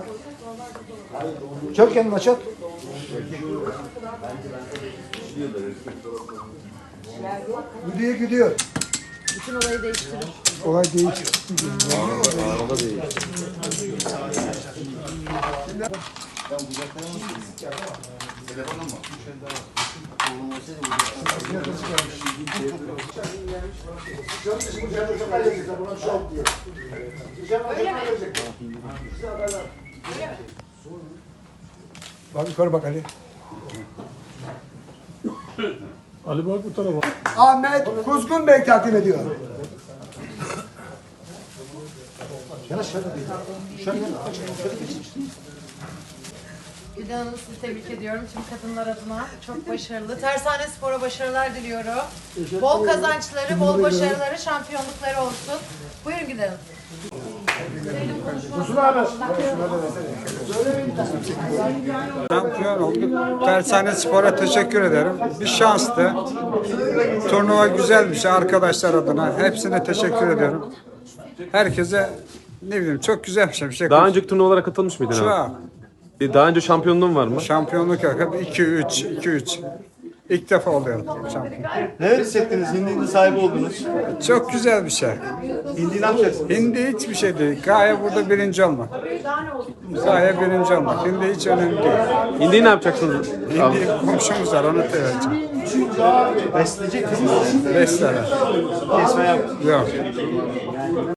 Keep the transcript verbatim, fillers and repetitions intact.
Çök kendini açat. Gidiyor gidiyor. Bütün olayı değiştirir. Olay değişiyor. Arada değil. Telefonla mı? Bak yukarı bak Ali. Ali bak bu tarafa. Ahmet Kuzgun Bey takdim ediyor. Şöyle şöyle şöyle şöyle Gülen Hanım sizi tebrik ediyorum. Tüm kadınlar adına çok başarılı. Tersane Spor'a başarılar diliyorum. Bol kazançları, bol başarıları, şampiyonlukları olsun. Buyurun Gülen Hanım. Şampiyon olduk. Tersane Spor'a teşekkür ederim. Bir şanstı. Turnuva güzelmiş arkadaşlar adına. Hepsine teşekkür ediyorum. Herkese ne bileyim çok güzel bir şey. Bir şey Daha önceki turnuvalara katılmış mıydın Şu abi? an Bir Daha önce şampiyonluğun var mı? şampiyonluk yakın iki üç iki üç. İlk defa oluyor şampiyon. Ne hissettiniz? Hindi'nin sahibi oldunuz. Çok güzel bir şey. Hindi ne yapacaksınız? Hindi hiçbir şey değil. Gaye burada birinci olmak. Gaye birinci olmak. Hindi hiç önemli değil. Hindi'yi ne yapacaksınız? Abi? Hindi komşumuz var onu vereceğim. Besleyecek misiniz? Beş sene. Kesme yap. Yok.